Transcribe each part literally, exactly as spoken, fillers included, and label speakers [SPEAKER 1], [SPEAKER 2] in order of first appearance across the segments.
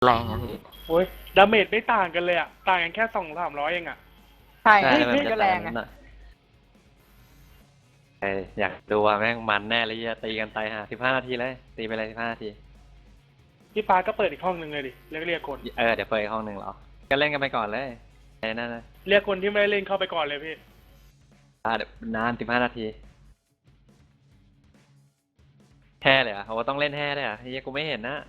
[SPEAKER 1] แรงอะพี่
[SPEAKER 2] โอ้ยดาเมจไม่ต่างกันเลยอ่ะต่างกันแค่สองสามร้อยเองอ่ะ
[SPEAKER 3] ใช่
[SPEAKER 4] ใช่
[SPEAKER 3] พี่
[SPEAKER 4] มัน
[SPEAKER 3] พี่
[SPEAKER 4] จะ
[SPEAKER 3] ก็แรงไง
[SPEAKER 4] หน่อยไออยากดูว่าแม่งมันแน่เลยจะตีกันตายห่าสิบห้านาทีเลยตีไปเลยสิบห้านาที
[SPEAKER 2] พี่ฟ้าก็เปิดอีกห้องหนึ่งเลยดิเรียกเรียกคน
[SPEAKER 4] เออเดี๋ยวเปิดอีกห้องหนึ่งเหรอก็เล่นกันไปก่อนเลยไอ้นั่นนะ
[SPEAKER 2] เรียกคนที่ไม่ได้เล่นเข้าไปก่อนเลยพี่
[SPEAKER 4] อ่าเดี๋ยวนานสิบห้านาทีแห่เลยเหรอ่ะเขาต้องเล่นแห่เลยเหรอ่ะเฮียกูไม่เห็นนะ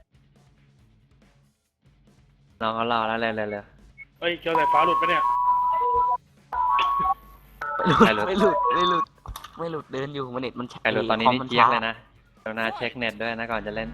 [SPEAKER 4] น้องเขารอแล้วเลยเลยเลย
[SPEAKER 2] เอ้ยเกียวสายฟ้าหลุดปะเนี่ย
[SPEAKER 4] ใครหลุด
[SPEAKER 1] ไม่หลุดไม่หลุดไม่หลุดเดินอยู่มันเน็ตมัน
[SPEAKER 4] ใครหลุดตอนนี้นี่
[SPEAKER 1] คมมั
[SPEAKER 4] เจี๊ยก
[SPEAKER 1] ช้า
[SPEAKER 4] เลยนะเดี๋ยวนาเช็คเน็ตด้วยนะก่อนจะเล่น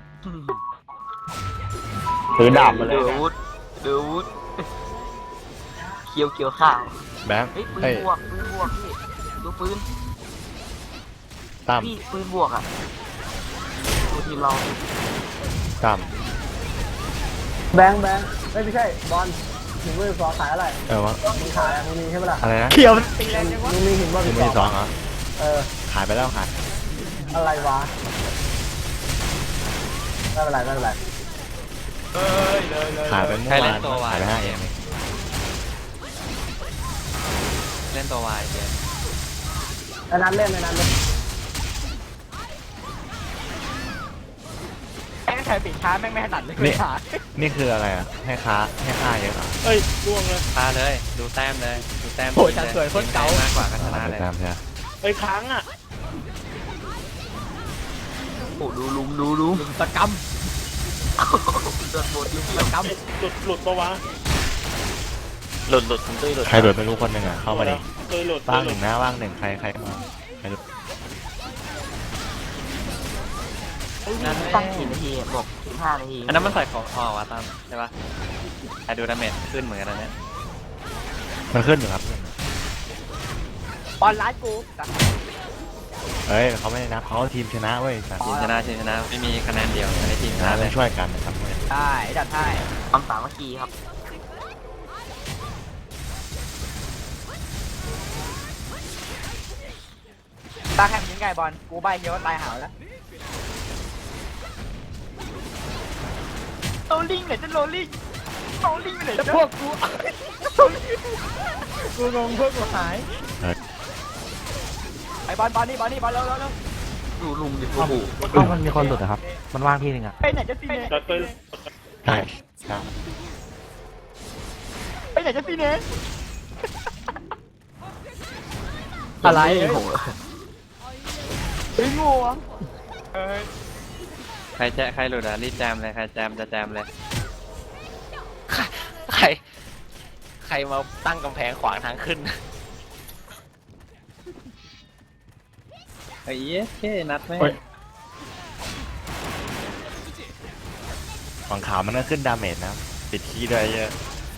[SPEAKER 5] ถือดาบมาเลย
[SPEAKER 1] เดือ
[SPEAKER 5] นะ
[SPEAKER 1] วุฒเดือวุฒเคียวเคียวข้าว
[SPEAKER 5] แบงค์
[SPEAKER 1] เฮ้ยปืน
[SPEAKER 5] เฮ้ย
[SPEAKER 1] บวกปืนบวกพี่ดูปืน
[SPEAKER 5] ตั้ม
[SPEAKER 1] พี่ปืนบวกอ่ะดูทีมเรา
[SPEAKER 5] ตั้ม
[SPEAKER 6] แบงค์แบงค์ไม่ไม่ใช่บอลหินมือสองขายอะไร
[SPEAKER 5] เออวะ
[SPEAKER 6] มึงขายอะมึงมีใช่ปะล่ะ
[SPEAKER 5] อะไรนะ
[SPEAKER 3] เขียวมันตีแรงจังวะ
[SPEAKER 6] มึงมีหินบอล
[SPEAKER 5] ถึงมือสองเหรอ
[SPEAKER 6] เออ
[SPEAKER 5] ขายไปแล้วขาย
[SPEAKER 6] อะไรวะไม่เป็นไรไม่เป็นไร
[SPEAKER 2] เอ้ยเลยเลย
[SPEAKER 5] ขายไปเมื่อ
[SPEAKER 4] ใคร
[SPEAKER 5] วา
[SPEAKER 4] เล่
[SPEAKER 5] น
[SPEAKER 4] นตัววาย
[SPEAKER 5] ขายไปห้าเอ็ม
[SPEAKER 4] เล่นตัววายเจ๊
[SPEAKER 6] ไอ้นั้นเล่นไอ้นั้นเล่น
[SPEAKER 3] แม่งใครปิดช้าแม่งไม่ถนัดเลย
[SPEAKER 5] นี่
[SPEAKER 3] ขา
[SPEAKER 5] นี่คืออะไรอ่ะให้ค้าให้ค่าเยอะเหรอ
[SPEAKER 2] เอ้ยล่วงเลย
[SPEAKER 4] พาเลยดูแต้มเลยดูแต้ม
[SPEAKER 3] โอ้ยจันสวยคนเก่าม
[SPEAKER 4] ากกว่าก็ช
[SPEAKER 5] เอา
[SPEAKER 4] นะ
[SPEAKER 5] ไป
[SPEAKER 4] เลย
[SPEAKER 5] ตามใช่ไหม
[SPEAKER 2] เอ้ยค้างอ่ะ
[SPEAKER 1] โอ้ดูลุมดูลุม
[SPEAKER 3] ลุมตะกำ
[SPEAKER 1] โดนบดลุม
[SPEAKER 3] ตะก
[SPEAKER 2] เอ้ยหลุดหลุดปะวะ
[SPEAKER 4] หลุดหลุดคุณตุ้ยหลุด
[SPEAKER 5] ใครโดดไม่รู้คนหนึ่งอ่ะเข้ามาดิ
[SPEAKER 2] เอ้ยหลุด
[SPEAKER 5] ว่าง
[SPEAKER 2] ห
[SPEAKER 5] ห
[SPEAKER 2] ลุ
[SPEAKER 5] นึ่
[SPEAKER 2] ด
[SPEAKER 5] งนะว่างหนึ่งใครใครมาใครหลุด
[SPEAKER 1] ำตั้งกี่นาทีบอกสิบห้านาที
[SPEAKER 4] อันนั้นมันใส่ของอ๋อวะตามใช่ปะใครดูดาเมจขึ้นเหมือนกันนะเนี่ย
[SPEAKER 5] มันขึ้นอยู่ครับ
[SPEAKER 3] ำบอลร้ายกู
[SPEAKER 5] เฮ้ยเขาไม่ได้นับเขาทีมชนะเว้ยแต่
[SPEAKER 4] ทีมชนะทีมชนะไม่มีคะแนนเดียวในทีม
[SPEAKER 5] ช
[SPEAKER 4] ช
[SPEAKER 5] นะ
[SPEAKER 4] นะเล
[SPEAKER 5] ต้อย งช่วยกันนะครับเว้ย
[SPEAKER 3] ใช่จัดให้
[SPEAKER 1] ความสามัคคีครับ
[SPEAKER 3] ตาแข่งยิงไงบอลกูใบเคียวตายหาวแล้วโรลลิ่งไหนจะโรลลิ่งโรลลิ่งไปไหนจะพวกกูกูงงพวกกูหาย
[SPEAKER 5] เออ
[SPEAKER 3] ไอ้บอลบอลนี่บอลนี่บอลเร็วเร็วเร็ว
[SPEAKER 1] ดูลุมดิโอ้โห
[SPEAKER 5] มันมีคนหลุดนะครับมันว่างที่หนึ่งอ่ะ
[SPEAKER 3] ไปไหนจะซีเนส
[SPEAKER 2] จัดไป
[SPEAKER 5] ใช่ใช่
[SPEAKER 3] ไปไหนจะซีเนสอะไร
[SPEAKER 1] โอ้โห
[SPEAKER 3] เฮ้ยงูอ่ะ
[SPEAKER 2] เอ้ย
[SPEAKER 4] ใครแจะใครหลุดอ่ะรีบแจมเลยใครแจมจะแจมเลย
[SPEAKER 7] ใคร ใครมาตั้งกำแพงขวางทางขึ้น
[SPEAKER 4] ไอ้เอ๊ะเคนัดไหม
[SPEAKER 5] ฝั่งขาวมันก็ขึ้นดาเมจนะปิดคีย์ด้วยเยอะ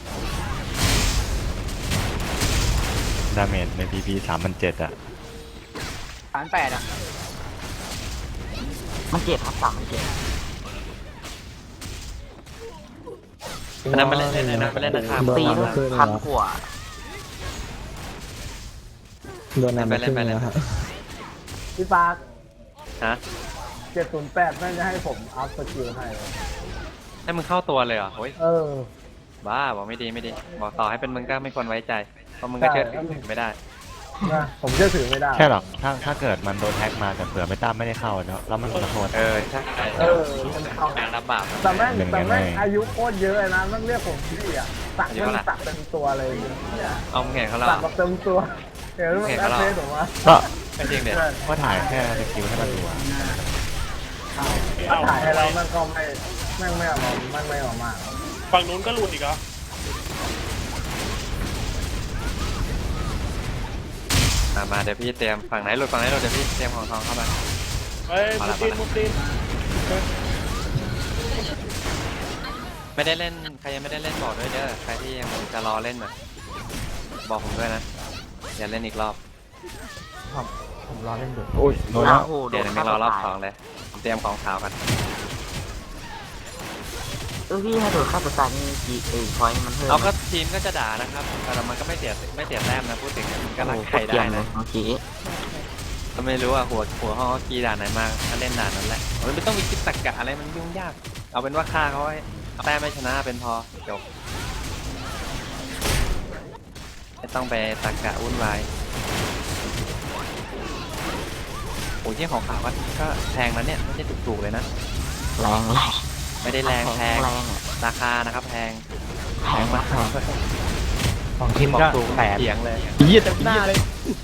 [SPEAKER 5] ดาเมจในพีพีสามพันเจ็ดอ่ะ
[SPEAKER 3] สามแปดอ่ะ
[SPEAKER 1] มันเจ็บครับสามมันเจ็บ
[SPEAKER 4] อันนั้นมาเล่นเล่นอันนั้นมาเล่นนะครับ
[SPEAKER 1] ตีด้วยพันกว่า
[SPEAKER 6] โดน
[SPEAKER 4] เล่นไปเล่นไปเล่นไป
[SPEAKER 6] พี่ฟ้า
[SPEAKER 4] ฮะ
[SPEAKER 6] เจ็ดศูนย์แปดแม่งจะให้ผมอัพสกิลให้เลย
[SPEAKER 4] ให้มึงเข้าตัวเลยเหรอโอ้ย
[SPEAKER 6] เออ
[SPEAKER 4] บ้าบอกไม่ดีไม่ดีบอกต่อให้เป็นมึงก็ไม่ควรไว้ใจเพราะมึงก็เชื่อถือไม่ได้
[SPEAKER 6] นะผมเชื่อถือไม่ได้
[SPEAKER 5] แค่หรอกถ้าถ้าเกิดมันโดนแฮ็กมาแต่เผื่อไม่ตั้มไม่ได้เข้าเนาะแล้วมันขอโทษ
[SPEAKER 4] เออใช่
[SPEAKER 6] เออมันเอา
[SPEAKER 4] แรงรับบาป
[SPEAKER 6] แต่แม่ง
[SPEAKER 5] เป็นไง
[SPEAKER 6] แต่แม่ง
[SPEAKER 5] ไง
[SPEAKER 6] อายุโคตรเยอะเลยนะแม่งเรียกผมพี่อ่ะสัก
[SPEAKER 4] อายุ
[SPEAKER 6] แม่ง
[SPEAKER 4] เท่าไหร่
[SPEAKER 6] สักเต็มตัวเลยเนี่ย
[SPEAKER 4] เอามึงเห็นเขาแล้ว
[SPEAKER 6] สักแบบเต็มตัวเห็นมัน
[SPEAKER 4] เห็น
[SPEAKER 6] แอ
[SPEAKER 4] เขา
[SPEAKER 6] ด
[SPEAKER 4] แล้ว
[SPEAKER 6] เฟซผมว่า
[SPEAKER 5] ก็
[SPEAKER 4] ไม่จริงเด็ด
[SPEAKER 5] ก็ถ่ายแค่สกิลให้มันดูอะ
[SPEAKER 6] ถ้าถ่ายให้เรามันก็ไม่แม่งไม่ออกมาแม่งไม่ออกมา
[SPEAKER 2] ฝั่งนู้นก็หลุดอีกเหรอ
[SPEAKER 4] มามาเดี๋ยวพี่เตรียมฝั่งไหนหลุดฝั่งไหนหลุดเดี๋ยวพี่เตรียมของทองเข้ามา
[SPEAKER 2] เอ้ยมุดดินมุดดิน
[SPEAKER 4] ไม่ได้เล่นใครยังไม่ได้เล่นบอกด้วยเด้อใครที่ยังจะรอเล่นน่ะบอกผมด้วยนะอย่าเล่นอีกรอบ
[SPEAKER 5] ผมรอเล่นดูโอ้ยโดนแล้ว
[SPEAKER 1] โอ้โหโด
[SPEAKER 4] เดี๋ยวน ไม่รอรอบสองเลยผมเตรียมของขาวกัน
[SPEAKER 1] เออพี่ถ้าโดนฆ่าตัวตายนี่จีเอพอยมันเพิ่ม
[SPEAKER 4] เอาก็ทีมก็จะด่านะครับแต่มันก็ไม่เสียไม่เสียแต้มนะพูดถึงมันก็รักใครได้นะ
[SPEAKER 1] โอเค
[SPEAKER 4] ก็ไม่รู้ว่าหัวหัวห้องกีด่านไหนมาถ้าเล่นด่านนั้นแหละมันไม่ต้องมีคิดตรรกะอะไรมันยุ่งยาก เอาเป็นว่าฆ่าเขาให้เอาแต้มไม่ชนะเป็นพอจบไม่ต้องไปตะกะวุ่นวายโอ้ยที่ของขาวก็ก็แพงนะเนี่ยไม่ใช่ถูกๆเลยนะ
[SPEAKER 7] แรงแรง
[SPEAKER 4] ไม่ได้แรงแพง
[SPEAKER 7] แรงอะ
[SPEAKER 4] ราคานะครับแพง
[SPEAKER 7] แพงมาก
[SPEAKER 3] ของทีม
[SPEAKER 4] บอก
[SPEAKER 3] ก็
[SPEAKER 4] ถูก
[SPEAKER 3] แปด
[SPEAKER 4] เถียงเลย
[SPEAKER 3] ยี่เต็มหน้าเลย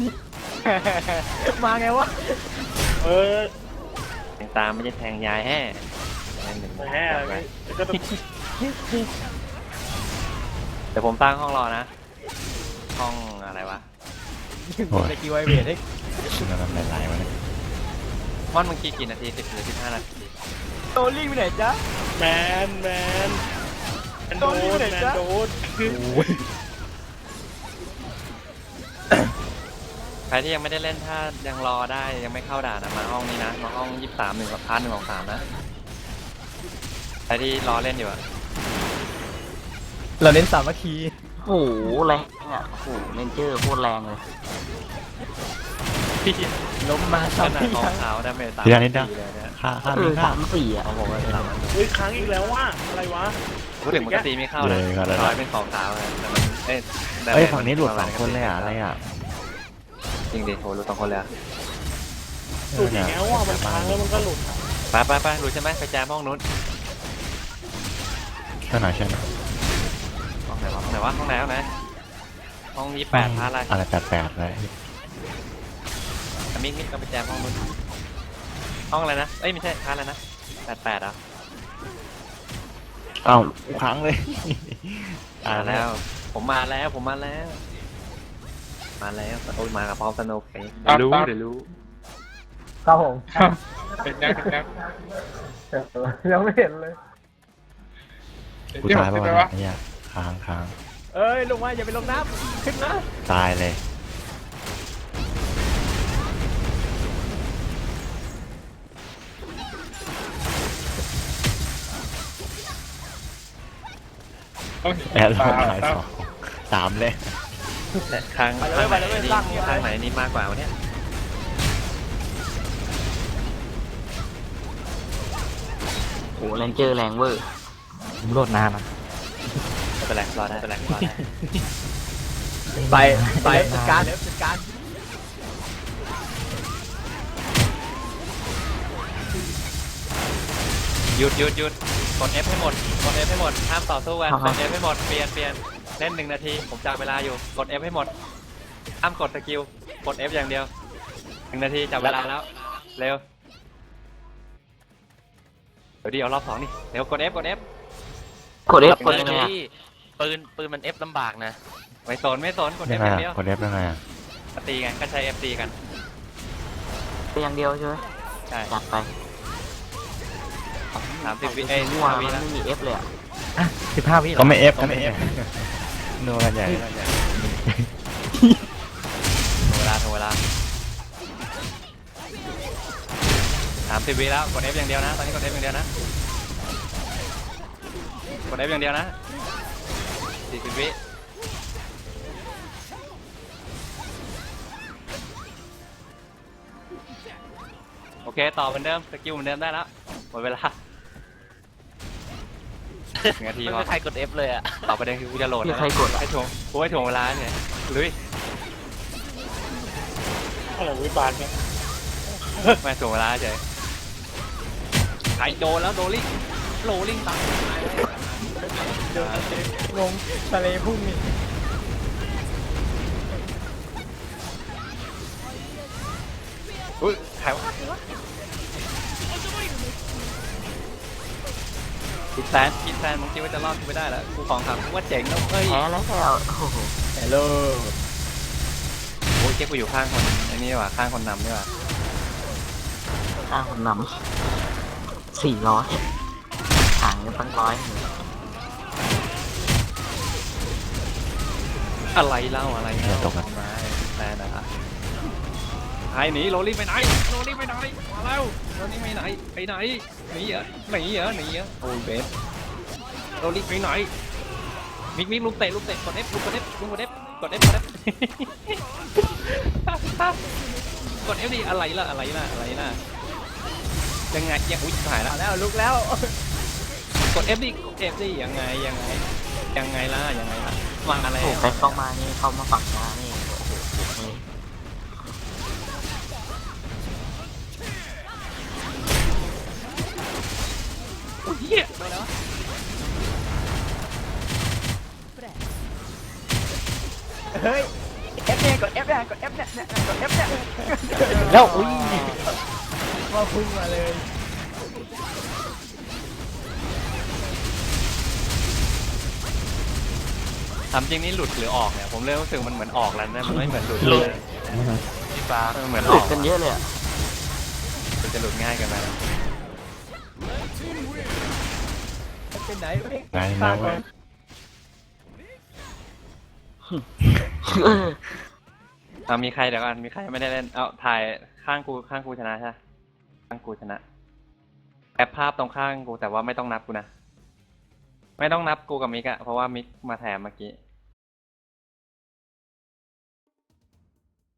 [SPEAKER 3] มาไงวะ
[SPEAKER 2] เออ
[SPEAKER 4] แทงตามไม่ใช่แทงยายแห่แทงหนึ่ง
[SPEAKER 2] แหมก็ต้อง
[SPEAKER 4] เดี๋ยวผมตั้งห้องรอนะ ห้องอะไรวะ
[SPEAKER 5] โอ้ย
[SPEAKER 3] จะกี่ไวเวทให้
[SPEAKER 5] มันมันหลายๆวะเนี่ย
[SPEAKER 4] ม่อนเมื่อกี้กี่นาทีสิบหรือสิบห้านาที
[SPEAKER 3] โตลิ่งไปไหนจ๊ะ
[SPEAKER 2] แมนแมนแมนโดนแมนโดน
[SPEAKER 4] ใครที่ยังไม่ได้เล่นถ้ายังรอได้ยังไม่เข้าด่านนะมาห้องนี้นะมาห้องยี่สิบสามหนึ่งกับพาร์ทหนึ่งของสามนะใครที่รอเล่นอยู่อะ
[SPEAKER 3] เราเน้นสามัคคี
[SPEAKER 7] โอ้โหแรงอ่ะโอ้โหเลนเจอร์โคตรแรงเลย
[SPEAKER 3] ล้มมา
[SPEAKER 4] ข
[SPEAKER 3] สาม
[SPEAKER 4] นาด
[SPEAKER 3] ที่
[SPEAKER 4] ของ
[SPEAKER 3] ยัง
[SPEAKER 4] ขาวดาเมจสาม
[SPEAKER 5] ทีละนิดนะ
[SPEAKER 4] สี่เลยเนี่ย
[SPEAKER 5] ค่าค่า
[SPEAKER 7] เอ
[SPEAKER 5] มี
[SPEAKER 7] อ
[SPEAKER 5] ค่า
[SPEAKER 7] สามสี่อ่ะ
[SPEAKER 4] เขาบอกว่าสาม
[SPEAKER 2] อุ้ยค้างอีกแล้วว่าอะไรวะ
[SPEAKER 4] พูดถึงปกติไม่เข้านะ
[SPEAKER 5] เลยครับ
[SPEAKER 4] ร้อยเป็นของขาวเลยแต่มันเอ้ยดาเมจ
[SPEAKER 5] เอ้ยฝั่งนี้หลุดสองคนเลยอ่ะอะไรอ่ะ
[SPEAKER 4] จริงดิโหหลุดสองคนเลยอะ
[SPEAKER 2] สุดอีกแล้วว่ามันค้างแล้วมันก็หลุด
[SPEAKER 4] ไปไปไปหลุดใช่ไหมไปแจมห้องนู้น
[SPEAKER 5] เท่าไหร่ใช่ไหม
[SPEAKER 4] ห้องไหนวะห้องไหนวะห้องไหนห้องไหนห้องยี่แปดพาร์ทอะไร
[SPEAKER 5] อะไรแปดแปดเลย
[SPEAKER 4] มิกมิกก็ไปแจมห้องนู้นห้องอะไรนะเอ้ยไม่ใช่พาร์ทอะไรนะแปดแปดอ่ะ
[SPEAKER 5] อ้าวค้างเลยตาย
[SPEAKER 4] มา
[SPEAKER 5] แล้
[SPEAKER 4] แล้ว ว ผมมาแล้วผมมาแล้ว มาแล้วโอ้ยมากับพร้อมสนุกเองเดี๋ยวรู้เดี๋ยวรู้
[SPEAKER 6] ครับผม
[SPEAKER 2] เป็นยังเป็นยัง
[SPEAKER 6] ยังไม่เห็นเลย
[SPEAKER 5] กูตายป่าวะเนี่ยค้างค้าง
[SPEAKER 3] เอ้ยลงมาอย่าไปลงน้ำขึ้นนะ
[SPEAKER 5] ตายเลย แอร์ลงหายสองสามเลย
[SPEAKER 4] แต่ข้างข้างไหนนี่ข้างไหนนี่มากกว่าวะเนี่ย
[SPEAKER 7] โอ้โหเลนเจอร์แรงเวอร์
[SPEAKER 3] ผมโหลดนานนะ
[SPEAKER 4] ไม่เป็นไรรอได้ไม่เป็นไรรอได้
[SPEAKER 3] ไปไปจัดการเดี๋ยวจัดการ
[SPEAKER 4] หยุดหยุดหยุดกด F ให้หมดกด F ให้หมดห้ามต่อสู้กันกด F ให้หมดเปลี่ยนเปลี่ยนเล่นหนึ่งนาทีผมจับเวลาอยู่กด F ให้หมดห้ามกดสกิลกด F อย่างเดียวหนึ่งนาทีจับเวลาแล้วเร็วเดี๋ยวดิเอารอบสองนี่เร็วกด F กด F
[SPEAKER 7] กดเอฟก
[SPEAKER 4] ก
[SPEAKER 7] ด
[SPEAKER 4] ด
[SPEAKER 7] ยังไงอะ
[SPEAKER 8] ปืนปืนมันเอฟลำบากนะ
[SPEAKER 4] ไม่สนไม่สนกด
[SPEAKER 5] ยัง
[SPEAKER 4] F
[SPEAKER 5] ไง
[SPEAKER 4] อย่างเดียว
[SPEAKER 5] อ่ะกดเอฟยังไงอ่ะ
[SPEAKER 4] ตีกันก็ใช้ F ตีกัน
[SPEAKER 7] เป็นอย่างเดียวใช่ไหม
[SPEAKER 4] ใช่
[SPEAKER 7] จัดไป
[SPEAKER 4] สามสิบวิเอ้ย
[SPEAKER 7] มั่ว
[SPEAKER 4] ห้า
[SPEAKER 7] มั
[SPEAKER 4] วิ
[SPEAKER 7] น
[SPEAKER 4] แล้ว
[SPEAKER 7] ไม่มีเอฟเลยอ่ะ
[SPEAKER 3] สิบห้าวิเหร
[SPEAKER 5] ก็
[SPEAKER 3] อ
[SPEAKER 5] ไม่เอฟก็ไม่เอฟนัวกันใหญ่
[SPEAKER 4] ถึงเวลาถึงเวลาสามสิบวิแล้วกด F อย่างเดียวนะตอนนี้กด F อย่างเดียวนะกด F อย่างเดียวนะสี่สิบวิโอเคต่อเหมือนเดิมสกิลเหมือนเดิมได้แล้วหมดเวลาหนึ่งนาที
[SPEAKER 8] ไม่
[SPEAKER 4] พอ
[SPEAKER 8] มีใครกดเอฟเลยอะ
[SPEAKER 4] ต่อประเด็นคือกูจะโหลด
[SPEAKER 7] พี่
[SPEAKER 4] นะ
[SPEAKER 7] ใครกดอ่ะ
[SPEAKER 4] ให้ถ่วงกูให้ถ่วงเวลาเนี่ยลุย
[SPEAKER 2] อะไรวิบานเนี่ย
[SPEAKER 4] ไม่ถ่วงเวลาเฉยใครโดนแล้วโดนลิงโลลิงตาย
[SPEAKER 3] งงทะเลพุ่งนี่
[SPEAKER 4] อุ้ยใครวะคิดแซนคิดแซนมึงคิดว่าจะรอดกูไม่ได้แล้วกูของครับกูว่าเจ๋งแล้วเฮ้ย
[SPEAKER 7] แพ้แล้วแพ้โอ้โห
[SPEAKER 3] ฮัลโหล
[SPEAKER 4] โอ้ยเจ๊กูอยู่ข้างคนไอ้นี่ว่ะข้างคนนำนี่ว่ะ
[SPEAKER 7] อ้าวคนนำสี่ร้อยห่างกันตั้งร้อย
[SPEAKER 4] อะไรเล่าอะไร
[SPEAKER 5] เดี๋ยวตกนะ
[SPEAKER 4] มาแซนนะไอ้หนีโรลลิ่งไปไหนโรลลิ่งไปไหนมาแล้วโรลลิ่งไปไหนไปไหนหนีเหรอหนีเหรอหนีเหรอโอ้ยเบสโรลลิ่งไปไหนมิกมิกลุกเตะลุกเตะกด F ลุกกด F ลุกกด F กด F กด F กด F ดิอะไรล่ะอะไรล่ะอะไรล่ะยังไงยังอุ้ยหายแล้ว
[SPEAKER 3] มาแล้วลุกแล้ว
[SPEAKER 4] กกด F ดิกด F ดิยังไงยังไงยังไงล่ะยังไงล่ะมาอะไร
[SPEAKER 7] โอ้ไปเข้ามานี่เข้ามาฝั่งช้านี่โอ้โหนี่
[SPEAKER 4] โอ้ยเหี้ย
[SPEAKER 3] เฮ้ย F เนี่ยกด F เนี่ยกด F เนี่ยเนี่ยกด F เนี่ย
[SPEAKER 5] แล้วอุ้ย
[SPEAKER 3] มาพุ่งมาเลย
[SPEAKER 4] ทำจริงนี่หลุดหรือออกเนี่ยผมเริ่มรู้สึกมันเหมือนออกแล้วนะมันไม่เหมือนหลุดเลย
[SPEAKER 8] พี่ฟ้า
[SPEAKER 4] มันเหมือน
[SPEAKER 7] ห
[SPEAKER 4] อ
[SPEAKER 7] ลุ
[SPEAKER 4] อ
[SPEAKER 7] ด
[SPEAKER 4] ก
[SPEAKER 7] กันเยอะเลยอะ
[SPEAKER 4] มันจะหลุดง่ายเกันไปแล้ว
[SPEAKER 3] เป็นไหนไม่
[SPEAKER 5] ไงนะเว้ย
[SPEAKER 7] เออ
[SPEAKER 4] เอามีใครเดี๋ยวก่อนมีใครไม่ได้เล่นเอาถ่ายข้างกูข้างกูชนะใช่ไหมข้างกูชนะแอปภาพตรงข้างกูแต่ว่าไม่ต้องนับกูนะไม่ต้องนับกูกับมิกอะเพราะว่ามิกมาแถมเมื่อกี้